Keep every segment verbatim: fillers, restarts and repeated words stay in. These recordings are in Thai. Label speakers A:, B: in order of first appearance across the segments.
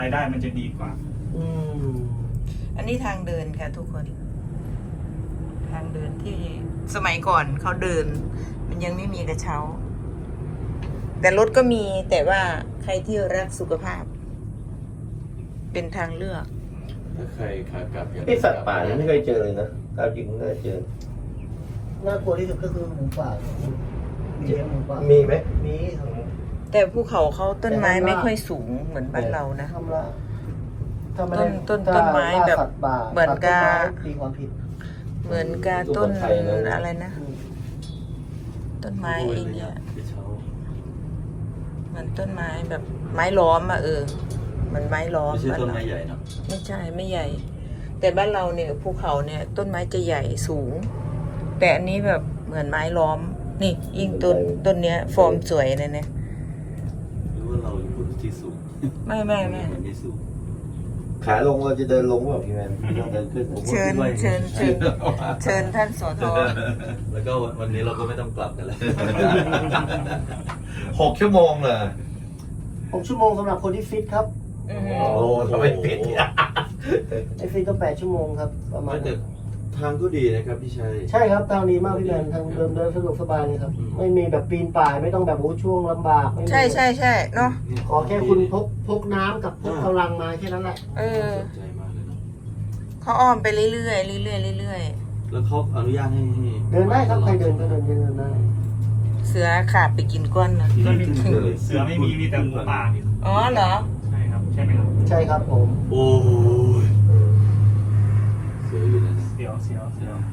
A: รายได้มันจะดีกว่า
B: อืม
C: อันนี้ทางเดินค่ะทุกคน ทางเดินที่สมัยก่อนเขาเดิน มันยังไม่มีกระเช้า แต่รถก็มีแต่ว่าใครที่รักสุขภาพ เป็นทางเลือก
D: ถ้าใครขากลับ
B: ที่สัตว์ป่านี่ไม่เคยเจอเลยนะตามจริงไม่เคยเจอน่ากลัวที่สุดก็คือหมูป่ามีเลี้ยงหมูป่ามีไหมมีครับ
C: แต่ภูเขาเขาต้นไม้ไม่ค่อยสูงเหมือนบ้านเรานะ
B: ทำละถ้าไม่
C: ต้
B: ได้
C: นต้นต้นไม้แบบ
B: ถ้าสัตว์ป่า
C: เหมือนกับ
B: ตัดต้นไม้มีความผิด
C: เหมือนกับต้นอะไรนะ
B: อืม
C: ต้นไม้ไอ้เนี่ย
D: ที่เช้า
C: เหมือนต้นไม้แบบไม้ล้อมอะเออเหมันไม้ล้อม
D: ไม่ใช่ต้น
C: บ้า
D: ไม้
C: เรา
D: ใหญ่เนาะ
C: ไม่ใช่ไม่ใหญ่ แต่บ้านเราเนี่ยภูเขาเนี่ยต้นไม้จะใหญ่สูง แต่อันนี้แบบเหมือนไม้ล้อม นี่ยิ่งต้นต้นเนี้ย ฟอร์มสวยเลยเนี่ย
D: หรือว่าเราพูดที่สูง
C: ไม่ไม่ไม่
D: มันไม่สูง
B: ขาลงเราจะเดินลงแบบพี่แมนไม่ต้องเดินขึ้นผม
C: เชิญเชิญเชิญเชิญท่านสท
D: แล้วก็วันนี้เราก็ไม่ต้องกลับกันแล้ว
B: หกชั่วโมงเลยหกชั่วโมงสำหรับคนที่ฟิตครับ
C: อืม
B: โอ้ทำไมฟิตไอฟิตก็แปดชั่วโมงครับประมาณ
D: แต่ทางก็ดีนะครับพี่ชัย
B: ใช่ครับทางนี้มากพี่แมนทางเดินเดินสะดวกสบายเลยครับ
D: อืม
B: ไม่มีแบบปีนป่ายไม่ต้องแบบโอ้ช่วงลำบากไม่มี
C: ใช่ใช่ใช่เนาะ
B: ขอแค่คุณพกพกน้ำกับพกกำลังมาแค่นั้นแหละ
C: เออ
D: สนใจมากเลยเนาะ
C: เขาอ้อมไปเรื่อยๆเรื่อยๆเรื่อย
D: แล้วเขาอนุญาตให้ให้
B: เดินได้ครับใครเดินก็เดินเดินได้
C: ๆเสือขาบไปกินก้อนนะ
A: ก็ไม่เสือไม่มีมีแต่หมูป่า
C: อ๋อเหรอ
A: ใช่ครับใช่ไหมครับ
B: ใช่ครับผม
D: โอ้ยเสืออยู่นะ
A: เสียวเสียวเสียว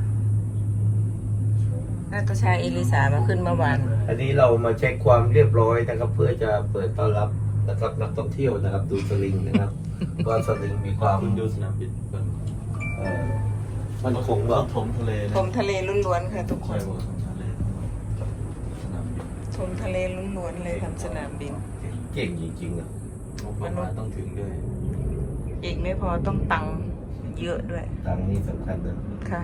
C: นาตาชาเอลิสามาขึ้นเมื่อวาน
B: อันนี้เรามาเช็คความเรียบร้อยนะครับ เพื่อจะเปิดต้อนรับนะครับนักท่องเที่ยวนะครับ ดูสลิงนะครับ ก็สลิงมีความ
D: คุณดูสนามบินก่อน
B: เอ่อมันคง
D: ว่า
B: ว่า
D: ถมทะเลนะ
C: ชมทะเลล้วนๆค่ะทุกค
D: ใช่
C: น
D: ว่าถมทะเลสนามบิน
C: ชมทะเลล้วนๆเลยทำสนามบิน
B: เก่งจริงๆอ่ะ
D: งบประมาณต้องถึงด้วย
C: อีกไม่พอต้องตังค์เยอะด้วย
B: ตังค์นี่สำคัญนะ
C: ค่ะ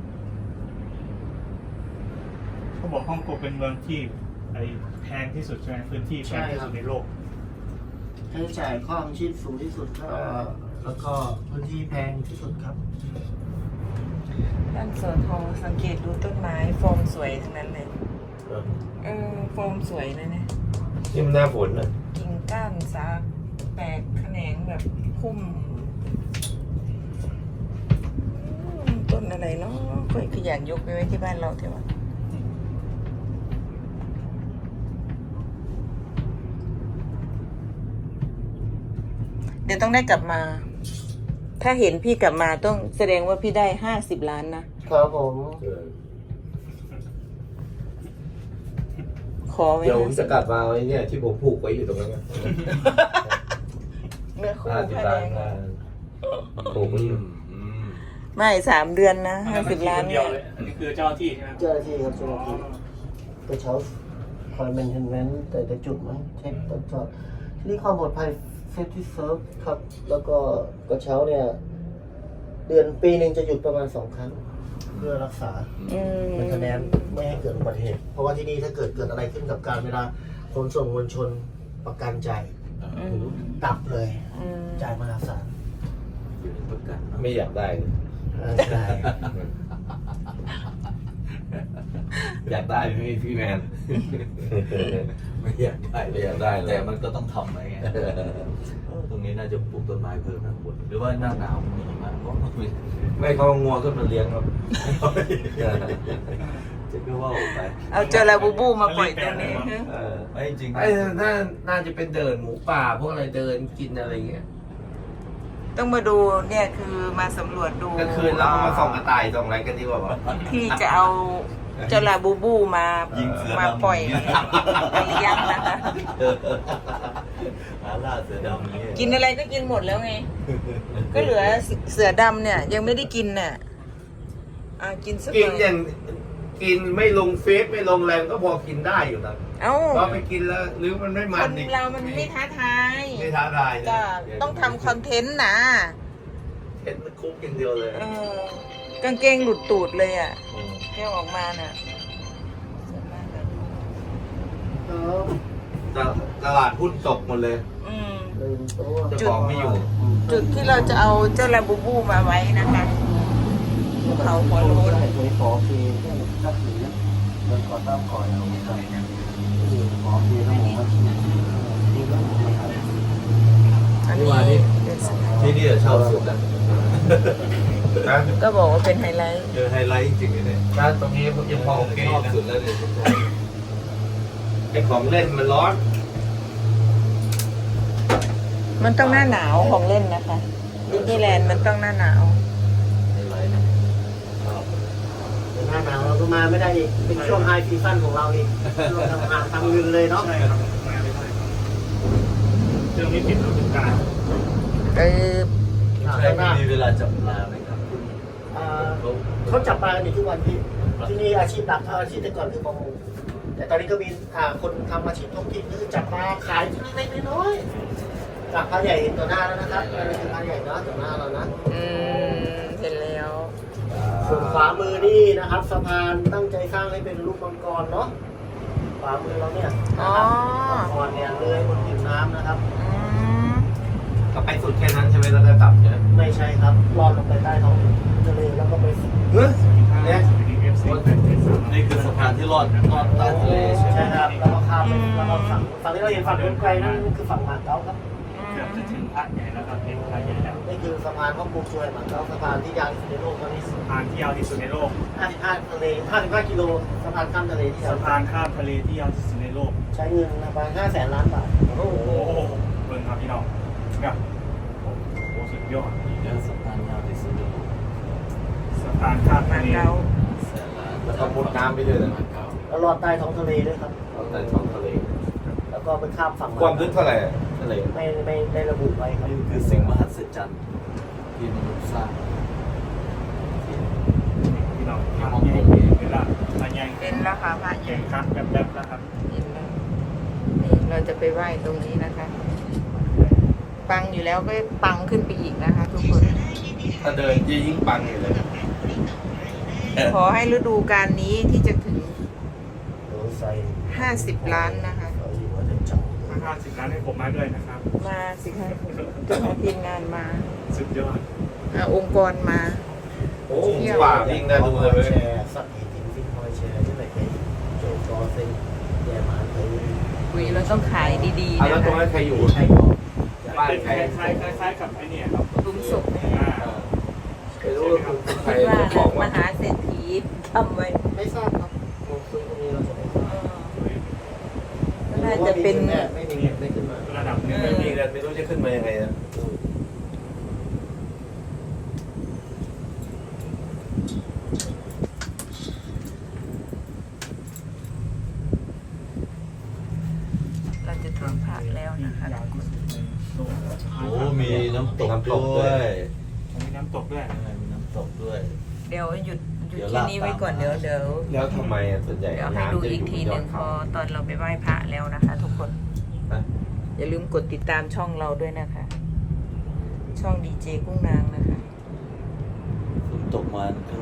A: เขาบอกฮ่องกงเป็นเมืองที่ไอแพงที่สุดใช่ไหมพื้นที่แพงที่สุดในโลก
B: ค่าใช้จ่ายข้อของชีพสูงที่สุดก็แล้วก็พื้นที่แพงที่สุดครับ
C: ด้านสวนทองสังเกตดูต้นไม้ฟอร์มสวยทั้งนั้นเลย เออฟอร์มสวยเลยเนี่ย
B: นี่มันหน้าฝนนะ
C: กิ่งก้านสาแตกแขนงแบบพุ่มอืมต้นอะไรเนาะค่อยขยันยกไปไว้ที่บ้านเราเถอะวะเดี๋ยวต้องได้กลับมา ถ้าเห็นพี่กลับมาต้องแสดงว่าพี่ได้ห้าสิบล้านนะครับ
B: ผม
C: ขอไว้
B: เดี๋ยวผม
C: ห้าสิ
B: จะ
C: บ
B: กลับมาไว้เนี่ยที่ผมผูกไว้อยู่ตรงนั้นนะ
C: เนื้อคู่
B: ห้าสิบ
C: ผ้า
B: ล้า
C: แด
B: น
C: ง
B: นะผูกไว้อยู่
D: อืม
C: ไม่สามเดือนนะห้าสิบล้าน
A: เดี
C: เนี่ย
A: วย เลยอันนี้คือเจ้าหน้าที่ใช่ไหม
B: เจ้าหน้าที่ครับเจ้าหน้าที่กระเช้าคอยแมนเทนแมนแต่แต่จุดมั้งเช็คตรวจสอบที่นี่ความปลอดภัยเซฟตี้เซิร์ฟครับ แล้วก็กระเช้าเนี่ย เดือนปีหนึ่งจะหยุดประมาณสองครั้ง เพื่อรักษา
C: อืม
B: เป็นคะแนนไม่ให้เกิดอุบัติเหตุ เพราะว่าที่นี่ถ้าเกิดเกิดอะไรขึ้นกับการเวลาขนส่งมวลชนประกันจ่าย
C: อื
B: หรื
C: ม
B: อดับเลย
C: อืม
B: จ่ายมหาศาล
D: อยู่ในประกันเนอะ
E: ไม่อยากได้เลย
B: อ่าใช่
E: อยากได้พี่พี่แมน
D: ไม่อยากได้
E: ไม่อยากได้เลย
D: แต่มันก็ต้องทำไว้ไงตรงนี้น่าจะปลูกต้นไม้เพิ่มนะคุณหรือว่าหน้าหนาวมีหิมะก็ไม่
E: ไม่เขางัวขึ้นมาเลี้ยงครับ
D: จะก็ว่าออกไป
C: เอาเจอลาบูบูมาปล่อยตรงนี้ฮะ
E: เออ
D: ไม่จริงๆ
E: ไอ้น่าน่าจะเป็นเดินหมูป่าพวกอะไรเดินกินอะไรเงี้ย
C: ต้องมาดูเนี่ยคือมาสำรวจดู
E: กลางคืนเราก็มาส่องกระต่ายส่องอะไรกันดีกว่าป่ะ
C: ที่จะเอาเจาลาบูบูมา
D: ยิงเสือ
C: มา
D: ดำ
C: ปล่อยไปเลี้ยงนะคะ
D: หาล่าเสือดำนี่
C: กินอะไรก็กินหมดแล้วไง ก็เหลือเสือดำเนี่ย ยังไม่ได้กินน่ะอ่ะกินสักห
E: กิน
C: น่อย
E: อย่างกินไม่ลงเฟซไม่ลงแรงก็พอกินได้อยู่นะ
C: เอ้า
E: พอไปกินแล้วหรือมันไม่
C: ค
E: มัน
C: น
E: อีก
C: เรามันไม่ท้าทาย
E: ไม่ท้าทายนะ
C: ก็ต้องทำคอนเทนต์นะ
E: เห็นมันคุกอย่างเดียวเลย
C: เออกางเกงหลุดตูดเลยอ่ะแก้วออกมาน่ะสวยมากเลย
B: ครับ
D: ตลาดตลาดหุ้นตกหมดเลย
C: อืม
B: ลืมตัว
D: เจ้าของไม่อยู่
C: จุดที่เราจะเอาเจ้าลาบูบูมาไว้นะคะภูเขาหัวโล้น
B: เห็นตัวขอพีแค่สักหนึ่งนะเดินก่อตั้งก่อนเอาครับนี่ขอพีต้องบอกว่านี่ก็ไม่ครับ
C: อันนี้เป็นสถาน
D: ที่นี่ชอบสุดอ่ะ
C: ก็บอกว่าเป็นไฮไลท์
D: เจอไฮไลท์จริงๆเนี่ย
E: ร้านตรงนี้ยังพอโอเค
D: ชอบ
E: นะ
D: สุดแล้วเนี่ย
E: ไอของเล่นมันร้อน
C: มันต้องหน้าหนาวของเล่นนะคะดิสนีย์แลนด์มันต้องหน้าหนาว
D: ไฮไลท์นะชอบ
B: หน้าหนาวเราก็มาไม่ได้อีกเป็นช่วงไฮซีซั่นของเราอีกเราทำงานทำเงินเลยเนาะ
A: ใช่ครับมาไม่ได้เรื่องนี้ปิดฤดูกาล
C: เออ
D: ใช่มีเวลาจับปลาไหมครับ
B: อ่าเขาจับปลากันอยู่ทุกวันที่ที่นี่อาชีพหลักอาชีพแต่ก่อนคือประมงแต่ตอนนี้ก็มีอ่าคนทำอาชีพท้องถิ่นคือจับปลาขายที่เล็กๆน้อยๆจากปลาใหญ่เห็นตัวหน้าแล้วนะครับอันนี้คือปลาใหญ่เนาะตัวหน้าเรานะ
C: อืมเห็นแล้ว
B: ส่วนขวามือนี่นะครับสะพานตั้งใจสร้างให้เป็นรูปมังกรเนาะขวามือเราเนี่ยนะครับมังกรเนี่ยเลื้อยบนผิวน้ำนะครับ
C: อืม
E: ก็ไปสุดแค่นั้นใช่ไหมแล้วก็กลับใช่ไหม
B: ไม่ใช่ครับลอดลงไปใต้ท้องทะเลแล้วก็ไป
E: เฮ้ย
A: เนี่ย
D: นี่คือสะพานที่รอดรอดใต้ทะเลใช่ไหม
B: ใช่ครับแล้วก็ข้ามไปแล้วก็ฝั่งฝั่งที่เราเห็นฝั่งนู้นไกลนั่นคือฝั่งมาเก๊าครับ
A: เกือบจะถึงพระใหญ่แล้วครับเห็นพระใหญ่แล้ว
B: นี่คือสะพานฮ่องกงช่วยมาเก๊าสะพานที่ยาวที่สุดในโลกตอนนี้
A: สะพานที่ยาวที่สุดในโลก
B: ห้าสิบห้าทะเลห้าสิบห้ากิโลสะพานข้ามทะเลที่ยาว
A: สะพานข้ามทะเลที่ยาวที่สุดในโลก
B: ใช้เงินประมาณห้าแสนล้านบาท
A: โอ้โหเบิ่งครับพี่น้องแบบโอ้โหสุดยอด
D: เรื่องสะพานยาวที่สุดในโลก
A: สะพานข้าม
C: มา
A: ทะเล
C: เก๊า
D: แสนล้าน
E: แล้วก็มุดน้ำไปด้วยนะ
D: มาเก๊า
B: แล้วลอดใต้ท้องทะเลด้วยครับ
D: เราใต้ท้องทะเล
B: แล้วก็ไปข้ามฝั่ง
E: ความลึกเท่าไหร่ทะเล
B: ไม่ไม่ได้ระบุไว้ครับ
D: นี่คือสิ่งมหัศจรรย์ที่มนุษย์สร้าง
A: พี่น้องพระใหญ่เวลาพระใหญ่
C: เป็นแล้วค่ะพระให
A: ใหญ่
C: ญ่
A: ครับแบบแบบแล้วครับ
C: เห็นแล้วนี่เราจะไปไหว้ตรงนี้นะคะ ปังอยู่แล้วก็ปังขึ้นไปอีกนะคะ ทุกคน
E: ถ้าเดินจะยิ่งปังอยู่เลย
C: ขอให้ฤดูการนี้ที่จะถึง
B: โดยใส่
C: ห้าสิบล้านนะคะ
B: เราอยู่ว่าจะจับ
A: ถ้าห้าสิบล้านให้ผมมาด้วยนะครับ
C: มาสิคะจะเอาทีมงานมา
A: สุดยอด
C: เอาองค์กรมา
E: โอ้ป่าวิ่งได้ดูเลยเว้ย
B: แชร์สัตว์อีทิ้งฟิ้งคอยแชร์ที่ไหนไปโจกอเซ็งแย่มาเคย
C: คุยเราต้องขายดีๆ
E: อ่ะแล้ว
C: นะ
E: ตรง
C: คะ
E: นั้นใครอยู่
B: ใช่ก็
E: บ้าน
A: เป็น
E: ใคร
A: คล้ายๆคล้ายๆกับไอ้เนี่ยครับ
C: ลุงศพ
A: อ่า
E: ไม่รู้ว่าคุณใคร
C: คิดว่า
E: บอก
C: ม
E: ว่า
C: หาเศรษฐีทำไว้
B: ไม่ทราบครับซึ่งตรงนี้เราจะไม่ทราบ
C: น่าจะเป็น
B: แน่ไม่มีเงินไม่ขึ้นมา
A: ระดับหนึ่ง
E: ไม่มีเงินไม่รู้จะขึ้นมายังไงนะ
C: เราจะถึงพระแล้วนะคะ
A: ยาวที่สุดในโลก
D: โอ้มีน้ำตกด้วย
A: มีน้ำตกด้วย
D: มีน้ำตกด้วย
C: เดี๋ยวหยุดหยุด
D: เดี๋ยว
C: ที่นี้ไว้ก่อน
D: ลา
C: เดี๋
D: ด
C: ยว
D: ตาม
C: เดี๋ยว
E: แล้วทำไมอ่ะส่วนใหญ่
C: เดี๋ยวให้ดูอีกทีหนึ่งพอตอนเราไปไหว้พระแล้วนะคะ ทุกคน อย่าลืมกดติดตามช่องเราด้วยนะคะ ช่องดีเจกุ้งนางนะคะ
D: ฝนตกมา